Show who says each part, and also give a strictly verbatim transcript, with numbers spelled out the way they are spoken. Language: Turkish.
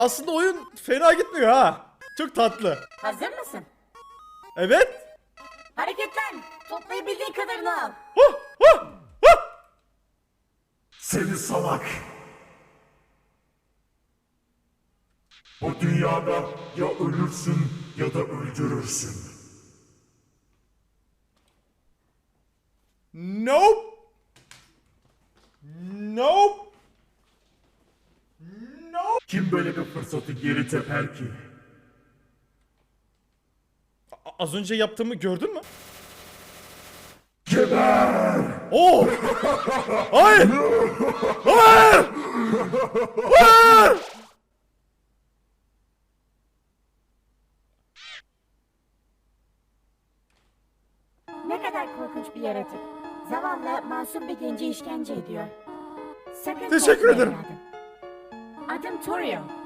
Speaker 1: Aslında oyun fena gitmiyor ha. Çok tatlı.
Speaker 2: Hazır mısın?
Speaker 1: Evet.
Speaker 2: Hareketlen. Toplayabildiğin kadarını al.
Speaker 1: Huh, huh, huh.
Speaker 3: Seni salak. Bu dünyada ya ölürsün ya da öldürürsün.
Speaker 1: Nope. Nope. Nope.
Speaker 3: Kim böyle bir fırsatı geri teper ki?
Speaker 1: A- Az önce yaptığımı gördün mü?
Speaker 3: Geber!
Speaker 1: Oo! Hayır! Hayır! Hayır!
Speaker 2: Ne kadar korkunç bir yaratık. Zavallı, masum bir genci işkence ediyor. Sakın
Speaker 1: Teşekkür
Speaker 2: korkma
Speaker 1: ederim.
Speaker 2: evladım. Adım Torio.